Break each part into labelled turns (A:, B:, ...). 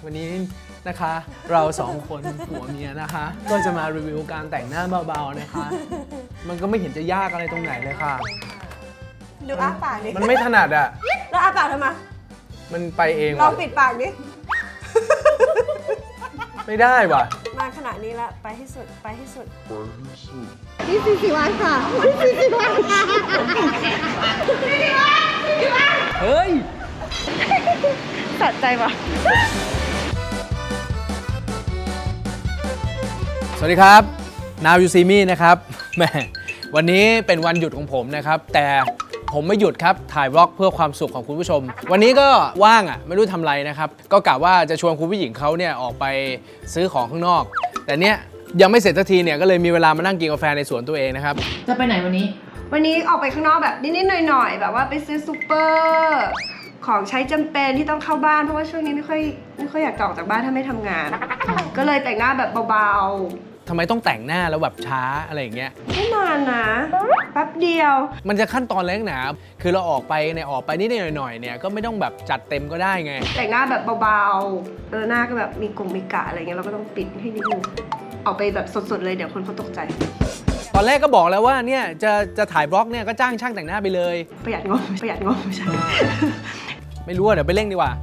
A: วันนี้นะคะเราสองคนผัวเมียนะคะก็จะมารีวิวการแต่งหน้าเบาๆนะคะมันก็ไม่เห็นจะยากอะไรตรงไหนเลยค่ะ
B: ดูอ้าปากดิ
A: มันไม่ถนัดอ่ะ
B: แล้วอ้าปากทำไม
A: มันไปเอง
B: ลองปิดปากดิ
A: ไม่ได้ว่ะ
B: มาขนาดนี้ละไปให้สุดไปให้สุดนี่40 วันค่ะนี่40 วันค่ะ
A: เฮ้ย
B: สะใจปะ
A: สวัสดีครับ Now You See Me นะครับแหมวันนี้เป็นวันหยุดของผมนะครับแต่ผมไม่หยุดครับถ่ายวล็อกเพื่อความสุขของคุณผู้ชมวันนี้ก็ว่างอ่ะไม่รู้ทำอะไรนะครับก็กะว่าจะชวนคุณผู้หญิงเขาเนี่ยออกไปซื้อของข้างนอกแต่เนี้ยยังไม่เสร็จสักทีเนี่ยก็เลยมีเวลามานั่งกินกาแฟในสวนตัวเองนะครับ
C: จะไปไหนวันนี้
B: ออกไปข้างนอกแบบนิดๆหน่อยๆแบบว่าไปซื้อซูเปอร์ของใช้จำเป็นที่ต้องเข้าบ้านเพราะว่าช่วงนี้ไม่ค่อยอยากออกจากบ้านถ้าไม่ทำงานก็เลยแต่งหน้าแบบเบา
A: ทำไมต้องแต่งหน้าแล้วแบบช้าอะไรอย่างเงี้ย
B: ไม่นานนะแป๊บเดียว
A: มันจะขั้นตอนเล็กหนาคือเราออกไปนิดหน่อยเนี่ยก็ไม่ต้องแบบจัดเต็มก็ได้ไง
B: แต่งหน้าแบบเบาๆหน้าก็แบบมีกะอะไรเงี้ยเราก็ต้องปิดให้นิดนึงออกไปแบบสดๆเลยเดี๋ยวคนเขาตกใจ
A: ตอนแรกก็บอกแล้วว่าเนี่ยจะถ่ายบล็อกเนี่ยก็จ้างช่างแต่งหน้าไปเลย
B: ประหยัดงบใช่
A: ไม่รู้อ่ะเดี๋ยวไปเร่งดีกว่า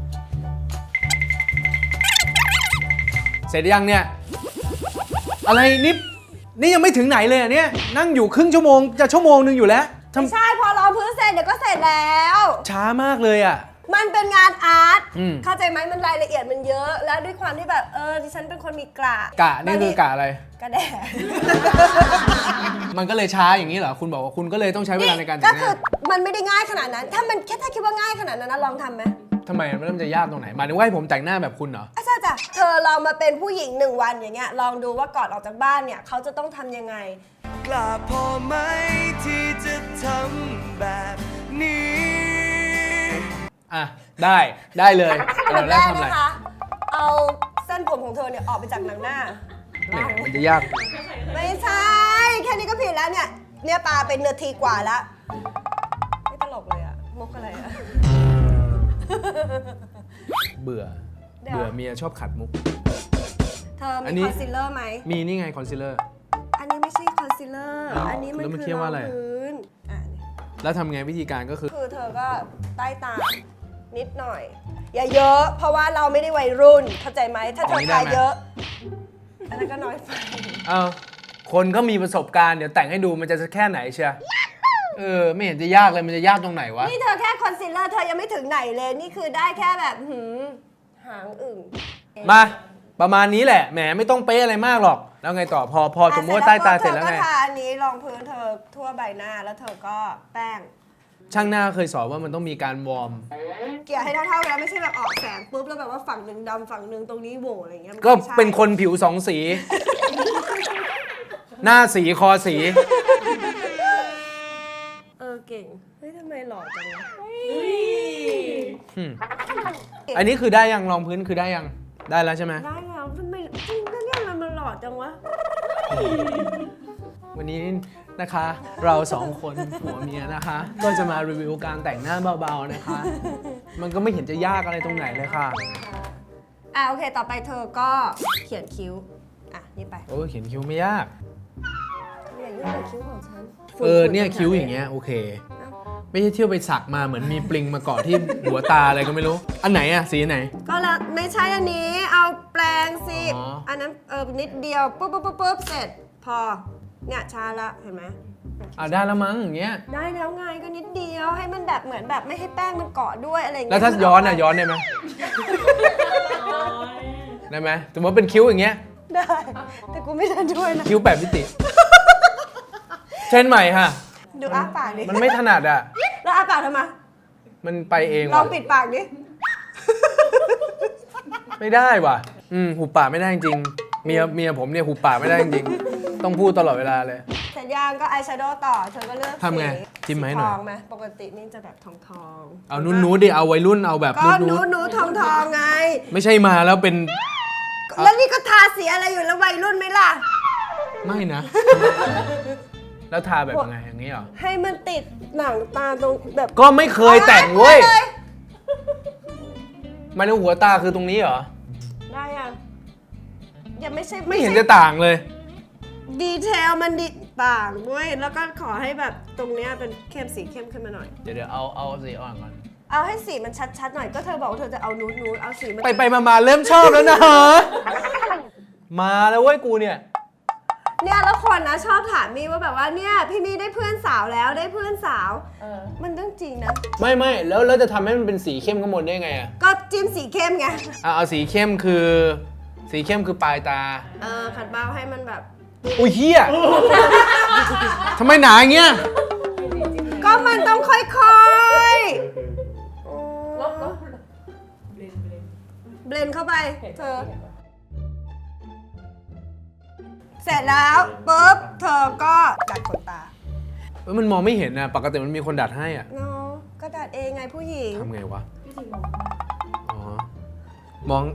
A: เสร็จยังเนี่ยอะไรนี่ยังไม่ถึงไหนเลยอ่ะเนี่ยนั่งอยู่ครึ่งชั่วโมงจะชั่วโมงนึงอยู่แล้ว
B: ไม่ใช่พอรอพื้นเสร็จเดี๋ยวก็เสร็จแล้ว
A: ช้ามากเลยอ่ะ
B: มันเป็นงานอาร์ตเข้าใจไหมมันรายละเอียดมันเยอะแล้วด้วยความที่แบบดิฉันเป็นคนมีกะ
A: นี่คือกะอะไร
B: กะแดด
A: มันก็เลยช้าอย่างนี้เหรอคุณบอกว่าคุณก็เลยต้องใช้เวลาในการแต่งหน้า
B: ก็คือมันไม่ได้ง่ายขนาดนั้นถ้าคิดว่าง่ายขนาดนั้นนะลองทำไหม
A: ทำไมมันจะยากตรงไหนหมายถึงว่าให้ผมแต่งหน้าแบบคุณเหรอ
B: ใช่จ้ะเธอลองมาเป็นผู้หญิง1 วันอย่างเงี้ยลองดูว่าก่อนออกจากบ้านเนี่ยเขาจะต้องทำยังไง
D: กล้าพอไหมที่จะทำแบบนี้
A: อ่ะได้เลย
B: เราแรกนะคะเอาเส้นผมของเธอเนี่ยออกไปจากหนังหน้า
A: มันจะยาก
B: ไม่ใช่แค่นี้ก็ผิดแล้วเนี่ยปาเป็นนาทีกว่าแล้วไม่ตลกเลยอะมุกอะไรอะ
A: เบื่อเมียชอบขัดมุก
B: เธอมีคอนซีลเลอร์ไหม
A: มีนี่ไงคอนซีลเลอร์
B: อันนี้ไม่ใช่คอนซีลเลอร์อันนี้มันคือรองพื้น
A: แล้วทำไงวิธีการก็คือ
B: เธอก็ใต้ตานิดหน่อยอย่าเยอะเพราะว่าเราไม่ได้วัยรุ่นเข้าใจไหมถ้าเธอทาเยอะอันนั้นก็น้อยไป
A: คนก็มีประสบการณ์เดี๋ยวแต่งให้ดูมันจะแค่ไหนเชียไม่เห็นจะยากเลยมันจะยากตรงไหนวะ
B: นี่เธอแค่คอนซีลเลอร์เธอยังไม่ถึงไหนเลยนี่คือได้แค่แบบหางอึ่ง
A: มาประมาณนี้แหละแหมไม่ต้องเป๊ะอะไรมากหรอกแล้วไงต่อพอสมมติว่าใต้ตาเสร็จแล้วไง
B: เธอก็ทาอันนี้รองพื้นเธอทั่วใบหน้าแล้วเธอก็แป้ง
A: ช่างหน้าเคยสอนว่ามันต้องมีการวอร์ม
B: เกลี่ยให้เท่าๆกันไม่ใช่แบบออกแสงปุ๊บแล้วแบบว่าฝั่งหนึ่งดำฝั่งหนึ่งตรงนี้โหวอะไรเงี้ย
A: ก็เป็นคนผิว2 สีหน้าสีคอสี
B: เก่งเฮ้ยทำไมหล่อจังวะ
A: อันนี้คือได้ยังรองพื้นคือได้ยังได้แล้วใช่ไหม
B: ได้แล้วทำไมจริงก็เนี่ยมันหล่อจังวะ
A: วันนี้นะคะเรา2 คนผัวเมียนะคะก็จะมารีวิวการแต่งหน้าเบาๆนะคะมันก็ไม่เห็นจะยากอะไรตรงไหนเลยค่ะ
B: โอเคต่อไปเธอก็เขียนคิ้วนี่ไป
A: เขียนคิ้วไม่ยาก
B: อย่างนี้เป็นคิ้วของฉัน
A: เนี่ยคิ้วอย่างเงี้ยโอเคไม่ใช่เที่ยวไปสักมาเหมือนมีปลิงมาเกาะที่หัวตาอะไรก็ไม่รู้อันไหนอะสีไหน
B: ก็แล้วไม่ใช่อันนี้เอาแปรงสิอันนั้นนิดเดียวปุ๊บเสร็จพอเนี่ยชาละเห็นไหม
A: ได้แล้วมั้งอย่างเงี้ย
B: ได้แล้วไงก็นิดเดียวให้มันแบบเหมือนแบบไม่ให้แป้งมันเกาะด้วยอะไรอย่าง
A: เงี้ยแล้วถ้าย้อนได้ไหมได้ไหมสมมติเป็นคิ้วอย่างเงี้ย
B: ได้แต่กูไม่ได้ด้วยนะ
A: คิ้ว8 มิติเช่นใหม่ค่ะ
B: ดูอ้าปากดิ
A: มันไม่ถนัดอ่ะ
B: แล้วอ้าปากทำไม
A: มันไปเอง
B: ลองปิดปากดิ
A: ไม่ได้ว่ะหุบปากไม่ได้จริงเมียผมเนี่ยหุบปากไม่ได้จริงต้องพูดตลอดเวลาเลย
B: เสร็จยังก็อายแชโดว์ต่อเธอก็เลือก
A: ทำไงจิ้มไหมหน่อย
B: ทองไหมปกตินี่จะแบบทอง
A: เอานู้ดิเอาวัยรุ่นเอาแบบ
B: ก็นู้ทองไง
A: ไม่ใช่มาแล้วเป็น
B: แล้วนี่ก็ทาสีอะไรอยู่แล้ววัยรุ่นไหมล่ะ
A: ไม่นะแล้วทาแบบยังไงอย่างนี้เหรอ
B: ให้มันติดหนังตาตรงแบบ
A: ก็ไม่เคยแต่งเว้ยมันหัวตาคือตรงนี้เหรอ
B: ยังไม่ใช่
A: ไม่เห็นจะต่างเลย
B: ดีเทลมันดีต่างด้วยแล้วก็ขอให้แบบตรงเนี้ยเป็นเข้มสีเข้มขึ้นมาหน่อย
A: เดี๋ยวเอาสีอ่อนก่อน
B: เอาให้สีมันชัดๆหน่อยก็เธอบอกว่าเธอจะเอานูดเอาสีมัน
A: ไปมาเริ่มชอบแล้วนะ มาแล้วเว้ยกูเนี่ย
B: เนี่ยแล้วคนนะชอบถามมี่ว่าแบบว่าเนี่ยพี่มี่ได้เพื่อนสาวแล้วได้เพื่อนสาวมันเรื่องจริงนะ
A: ไม่แล้วจะทำให้มันเป็นสีเข้มข้างบนได้ไงอ่ะ
B: ก็จิ้มสีเข้มไง
A: เอาสีเข้มคือปลายตา
B: ขัดเบาให้มันแบบ
A: อุ้ยเฮียทำไมหนาอย่างเงี้ย
B: ก็มันต้องค่อยๆเบลนเข้าไปเธอ เสร็จแล้วปุ๊บเธอก็ดัดขนตา
A: มันมองไม่เห็นนะปกติมันมีคนดัดให้อ่ะ
B: เนาะก็ดัดเองไงผู้หญิง
A: ทำไงวะอ๋อมอง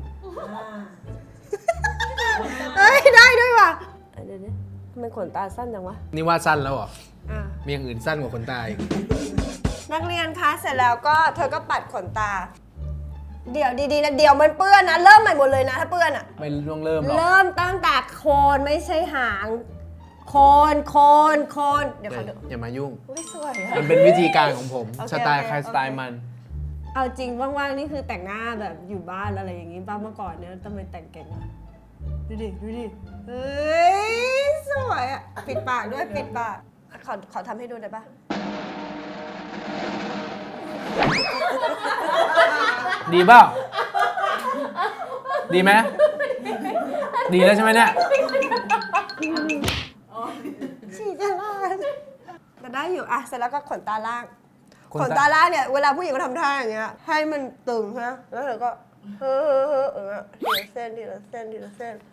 B: เฮ้ยได้ด้วยว่ะเดี๋ยวนี้มันขนตาสั้นจังวะ
A: นี่ว่าสั้นแล้วเหรอ
B: อ่ะ
A: มีอย่างอื่นสั้นกว่าขนตาอีก
B: นักเรียนคะเสร็จแล้วก็เธอก็ปัดขนตา เดี๋ยวดีๆนะเดี๋ยวมันเปื้อนนะเริ่มใหม่หมดเลยนะถ้าเปื้อนอะ
A: ไม่ต้องเริ่มหรอก
B: เริ่มตั้งแต่โคนไม่ใช่หางโคนเดี๋ยวเขาดู
A: อย่ามายุ่ง
B: อุ้ยสวยอะ
A: มันเป็นวิธีการของผม
B: โอเค
A: สไตล์
B: โอเค
A: ใครสไตล์มัน
B: เอาจริงว่างๆนี่คือแต่งหน้าแบบอยู่บ้านอะไรอย่างงี้บ้างเมื่อก่อนเนี่ยทำไมแต่งเก่งอะดูดิเฮ้ยสวยอะปิดปากด้วยปิดปากขอทำให้ดูได้ปะ
A: ดีเปล่าดีไหมดีแล้วใช่ไหมเนี่ย
B: ฉีดจะลาดแต่ได้อยู่อะเสร็จแล้วก็ขนตาล่าง
A: ขน
B: ข
A: ตา
B: นตาล่างเนี่ยเวลาผู้หญิงเขาทำท่าอย่างเงี้ยให้มันตึงใช่ไหมแล้วเธอก็เฮ้อทีละเส้น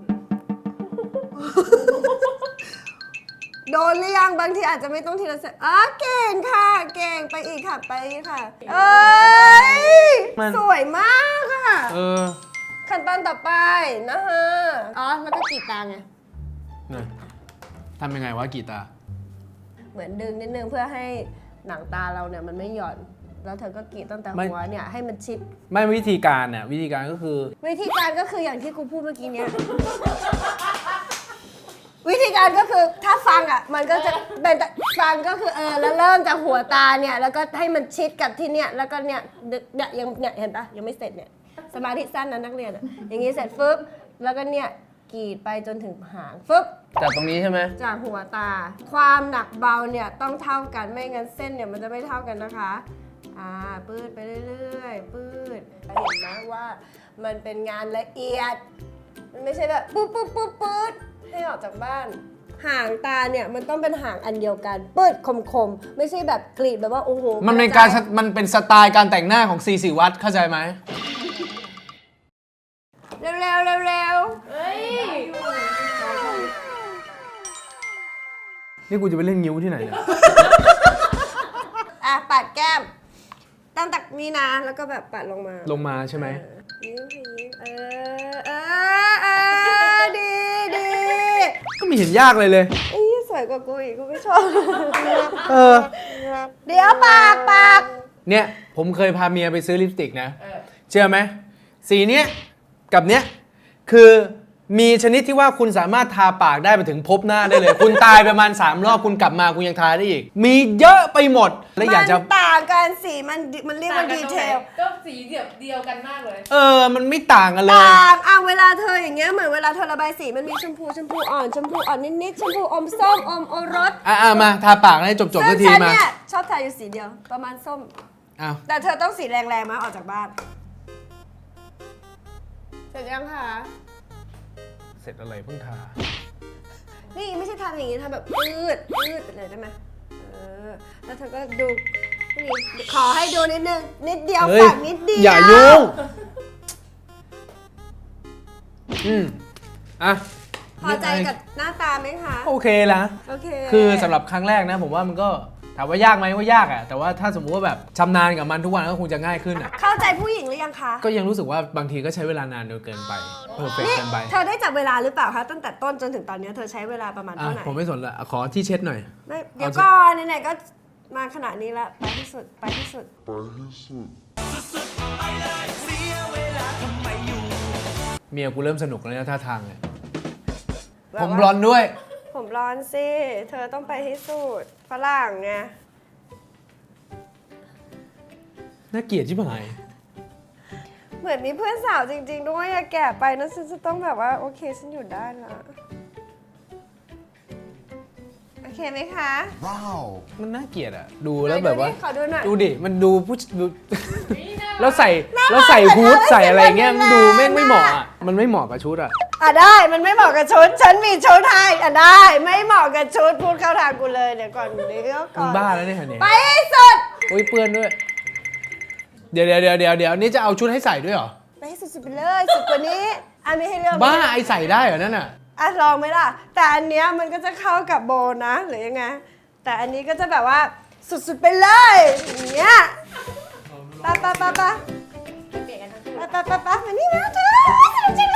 B: โดนหรือยังบางทีอาจจะไม่ต้องทีละเส้นเก่งค่ะเก่งไปอีกค่ะเอ้ยสวยมากอะ ขั้นตอนต่อไปนะฮะแล้วก็กรีดตาไง
A: เนี่ยทำยังไงวะกีตา
B: เหมือนดึงนิดนึงเพื่อให้หนังตาเราเนี่ยมันไม่หย่อน แล้วเธอก็กรีดตั้งแต่หัวเนี่ยให้มันชิด
A: ไม่วิธีการเนี่ยวิธีการก็คือ
B: วิธีการก็คืออย่างที่กูพูดเมื่อกี้เนี่ย วิธีการก็คือถ้าฟังอ่ะมันก็จะเป็นฟังก็คือแล้วเริ่มจากหัวตาเนี่ยแล้วก็ให้มันชิดกับที่เนี่ยแล้วก็เนี่ยยังเนี่ยเห็นปะยังไม่เสร็จเนี่ยสมาธิสั้นนะนักเรียนอ่ะอย่างงี้เสร็จฟึบแล้วก็เนี่ยกรีดไปจนถึงหางฟึบ
A: จากตรงนี้ใช่ไหม
B: จากหัวตาความหนักเบาเนี่ยต้องเท่ากันไม่งั้นเส้นเนี่ยมันจะไม่เท่ากันนะคะปืดไปเรื่อยๆปืดเห็นไหมว่ามันเป็นงานละเอียดมันไม่ใช่แบบปื๊ดให้ออกจากบ้านหางตาเนี่ยมันต้องเป็นหางอันเดียวกันปืดคมๆไม่ใช่แบบกรีดแบบว่าโอ้โห
A: มันเป็นสไตล์การแต่งหน้าของซีศิวัตรเข้าใจไหม
B: เร็ว
A: นี่กูจะไปเล่นงิ้วที่ไหนเนี่ย
B: ปัดแก้มตั้งแต่นี้นะแล้วก็แบบปัดลงมา
A: ใช่ไหม
B: ยิ้มดี
A: ก็ไม่เห็นยากเลย
B: สวยกว่ากูอีกกูไม่ชอบ
A: เออ
B: เดี๋ยวปาก
A: เนี่ยผมเคยพาเมียไปซื้อลิปสติกนะเชื่อไหมสีเนี้ยกับเนี้ยคือมีชนิดที่ว่าคุณสามารถทาปากได้ไปถึงพบหน้าได้เลย คุณตายประมาณ3 รอบคุณกลับมาคุณยังทาได้อีก มีเยอะไปหมดแล้วอยากจะ
B: มันต่างกันสีมันเรียกว่าดีเทล
C: ก็สีเดียวกันมากเลย
A: มันไม่ต่างกันเลย
B: ต่างเวลาเธออย่างเงี้ยเหมือนเวลาเธอระบายสีมันมีชมพูอ่อนนิดๆชมพูอมส้มอมโอรส
A: มาทาปากให้จบสักที
B: ซึ่งฉัน
A: มา
B: เนี่ยชอบทาอยู่สีเดียวประมาณส้ม
A: อ้าว
B: แต่เธอต้องสีแรงๆมาออกจากบ้านเสร็จยังคะ
A: เสร็จอะไรเพิ่งทา
B: นี่ไม่ใช่ทำอย่างนี้ทำแบบยืดไปเลยได้ไหมแล้วเธอก็ดูนี่ขอให้ดูนิดนึงนิดเดียว
A: เฮ้ย
B: ฝากนิดเดียว
A: อย่ายุ่ง
B: พอใจกับหน้าตาไหมคะ
A: โอเคละ
B: โอเค
A: คือสำหรับครั้งแรกนะผมว่ามันก็ถามว่ายากไหมว่ายากแต่ว่าถ้าสมมุติว่าแบบชำนาญกับมันทุกวันก็คงจะง่ายขึ้น
B: เข้าใจผู้หญิงหรือยังคะ
A: ก็ยังรู้สึกว่าบางทีก็ใช้เวลานานเกินไปเพอร์เฟกต์
B: นี่
A: เกินไป
B: เธอได้จับเวลาหรือเปล่าคะตั้งแต่ต้นจนถึงตอนนี้เธอใช้เวลาประมาณเท่าไหร่
A: ผมไม่สนละขอที่เช็ดหน่อย
B: ไม่เดี๋ยวก่อนไหนๆก็มาขนาดนี้ละไปที่สุด
D: สุดๆไปเลยเสียเวลาทำไมอยู่
A: เมียกูเริ่มสนุกแล้วนะท่าทางเนี่ย
B: แบบ
A: ผม
B: ว่า
A: บลอนด์ด้วย
B: ผมร้อนสิ เธอต้องไปให้สุดฝรั่งไง
A: น่าเกลียดชิบหาย
B: เหมือนมีเพื่อนสาวจริง ๆ ด้วยอะแก่ไปนะฉันจะต้องแบบว่า โอเค ฉันอยู่ได้ละโอเคไหมคะ
A: มันน่าเกลียดอะดูแล้วแบบว่า
B: ขอดูหน่อย
A: ดูดิ มันดูผู้ดู แล้วใส่ฮูดใส่อะไรเงี้ยมันดูแม่งไม่เหมาะอะมันไม่เหมาะกับชุดอะ
B: อ่ะได้ มันไม่เหมาะกับชุด ฉันมีชุดให้อ่ะได้ ไม่เหมาะกับชุด พูดเข้าทางกูเลย เดี๋ยวก่อนเดี๋ยวก่
A: มึ
B: อง น
A: บ้าแล้วเนี่ยเนี่ย
B: ไปให้สุด
A: โอ้ยเปื้อนด้วย เดี๋ยวนี่จะเอาชุดให้ใส่ด้วยเหรอ
B: ไปให้สุดๆไปเลย สุดกว่านี้ อันนี้ให้เลือก
A: บ้าไอใส่ได้เหรอนั่นอะ
B: อ่ะลองไหมล่ะ แต่อันเนี้ยมันก็จะเข้ากับโบนะ หรือยังไง แต่อันนี้ก็จะแบบว่าสุดๆไปเลยอย่างเงี้ยไปไปไปไปมานี่มาเธอสนุกจังเลย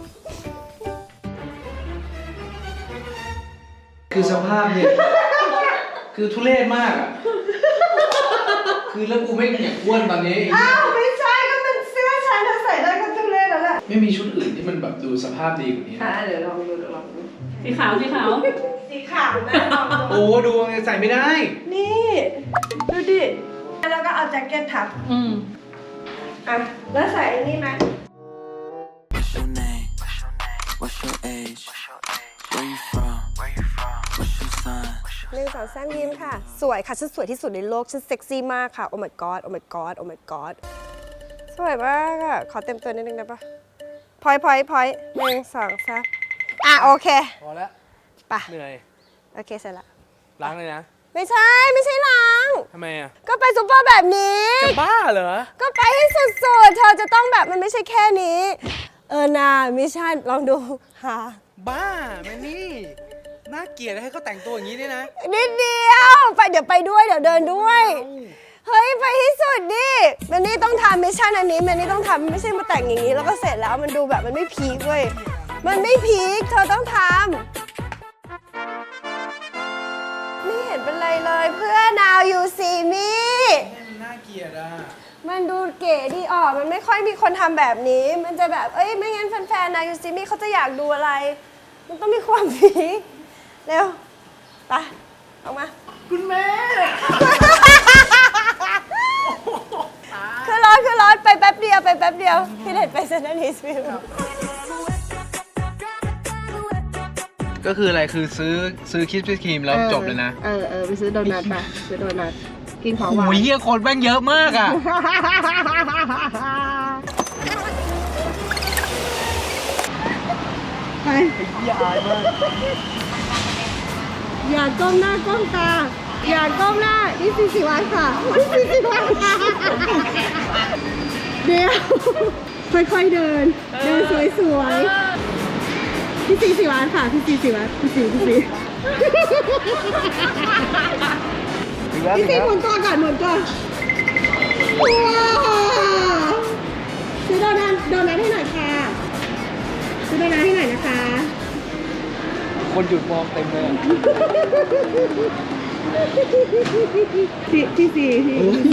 A: คือสภาพเนี่ย คือทุเรศมากอะคือแล้วกูไม่อยากอ้วนตอนนี้
B: อ้าวไม่ใช่ก็เป็นเสื้อฉันเธอใส่ได้ก็ทุเรศแล้วแหละ
A: ไม่มีชุดอื่นที่มันแบบดูสภาพดีกว่านี้นะ
C: เดี๋ยวลองดูลองดู
E: สีขาว
B: สีขาวแม่ลองดู
A: โอ้ดูใส่ไม่ได้
B: นี่ดูดิแล้วก็เอาแจ็คเก็ตทับ อ่ะแล้วใส่อันนี้ไหม
D: What's your name? What's your age? Where you from? What's your sign?
B: 1 2 3ยิ้มค่ะ สวยค่ะ ฉันสวยที่สุดในโลก ฉันเซ็กซี่มากค่ะ โอ้ my god โอ้ my god โอ้ my god สวยมากอ่ะ ขอเต็มตัวนิดนึงได้ปะพอย1 2 3อ่ะ โอเค
A: พอแล้ว
B: ไป
A: เหนื่อย
B: โอเค เสร็จละ
A: ล้างเลยนะ
B: ไม่ใช่ล้าง
A: ทำไมอะ
B: ก็ไปซุปเปอร์แบบนี้
A: จะบ้าเหรอ
B: ก็ไปให้สุดๆ เธอจะต้องแบบมันไม่ใช่แค่นี้ นามิชชั่นลองดูหา
A: บ้าแมนนี่น่าเกลียดให้เขาแต่งตัวอย่างนี้ด้วยนะ
B: นิดเดียวไปเดี๋ยวไปด้วยเดี๋ยวเดินด้วย เฮ้ย ไปให้สุดดิแมนนี่ต้องทำมิชชั่นอันนี้แมนนี่ต้องทำไม่ใช่มาแต่งอย่างนี้แล้วก็เสร็จแล้วมันดูแบบมันไม่พีคเว้ยมันไม่พีคเธอต้องทำไม่เห็นเป็นไรเลยเพื่อน now you see me
A: มันน่าเกลียดอ่ะ
B: มันดูเก๋ดีออกมันไม่ค่อยมีคนทำแบบนี้ มันจะแบบเอ้ยไม่งั้นแฟนๆ now you see me เขาจะอยากดูอะไร มันต้องมีความพีคเร็วไปออกมา
A: คุณแม่
B: คือรถไปแป๊บเดียวพี่เด็ดไปเซนต์นิสฟิล
A: ก็คืออะไรคือซื้อคิสปี้ครีมแล้วจบเลยนะ
B: ไปซื้อโดนัทไปซื้อโดนัทกินของหวาน
A: โอ้ยเฮียคนแม่งเยอะมากอ่ะ
B: ไปอย่าก้มหน้าก้มตา อย่าก้มหน้านี่40 วันค่ะนี่40 วันค่ะเดี๋ยวค่อยๆเดินสวยๆพี่40 วันค่ะพี่40 วันพี่4พี่4หมุนตัวก่อนว้าวซื้อโดนัทให้หน่อยค่ะซื้อโดนัทให้หน่อยนะคะ
A: คนหยุดมองเต็มเลยอะ
B: พี่สี่พี่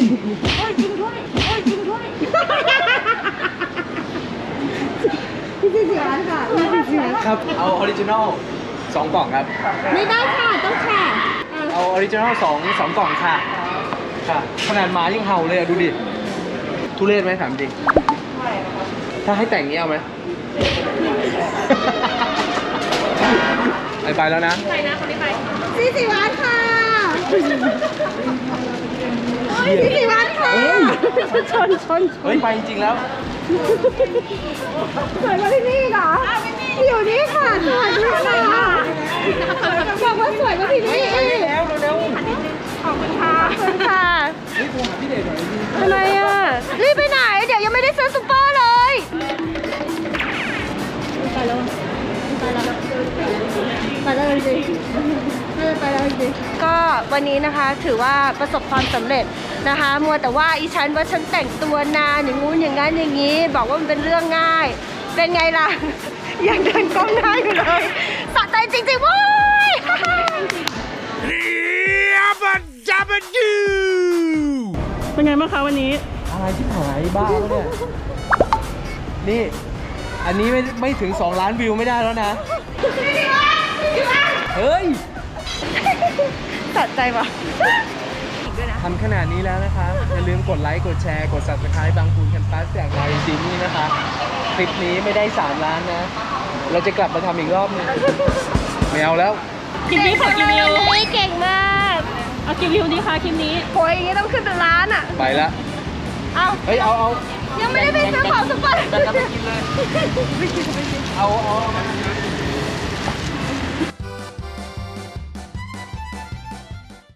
B: พี่สี่ร้านค่ะพี่สี่ร้าน
A: ครับ เอาออริจินอล2 กล่องครับ
B: ไม่ได้ค่ะต้องค่ะ
A: เอาออริจินอล2 กล่องค่ะ ค่ะ ขนาดหมายังเห่าเลยอ่ะ ดูดิ ทุเรศไหมถามจริง ถ้าให้แต่งนี้เอาไหม ไปแล้วนะ
B: พี่สี่ร้านค่ะพี่สี่ร้านค่ะชน
A: เฮ้ย ไปจริงๆแล้ว
B: สวยกว่าที่นี่เหรออยู่นี่ค่ะสวยด้วยค่ะบอกว่าสวยกว่าที่นี่
A: เร็ว
B: ขอบคุณค่ะ
A: เฮ้ยโทรหาพี่เดชหน่อย
B: ทำไมอ่ะรีบไปไหนเดี๋ยวยังไม่ได้ซื้อซุปเปอร์เลยไปแล้วจริงก็วันนี้นะคะถือว่าประสบความสำเร็จนะคะมัวแต่ว่าอีฉันว่าฉันแต่งตัวนานอย่างงู้นอย่างนั้นอย่างนี้ บอกว่ามันเป็นเรื่องง่าย เป็นไงล่ะ ยังเดินก้มหน้าอยู่เลยสะใจจริงๆเว้ย
E: เป็นไงบ้างคะวันนี้
A: อะไรที่หายบ้าแล้วเนี่ย นี่อันนี้ไม่ถึง 2 ล้านวิวไม่ได้แล้วนะ เฮ้ย
C: ตัดใจปะ
A: ทำขนาดนี้แล้วนะคะ อย่าลืมกดไลค์ กดแชร์ กด subscribe บางปูนแคมปัสจากนายซีนี่นะคะ คลิปนี้ไม่ได้ 3 ล้านนะ เราจะกลับมาทำอีกรอบหนึงไม่เอาแล้ว
E: คลิปนี้ขอกี่วิว
B: เก่งมาก
E: เอากี่วิวดีคะคลิปนี้
B: โอยอย่างนี้ต้องขึ้นเป็นล้านอ่ะ
A: ไปละ
B: เอา
A: เฮ้ย เอา
B: ยังไม่ได้ไปซื้อของซุปเปอร์
A: แบ่งกันไปกินเลย เอา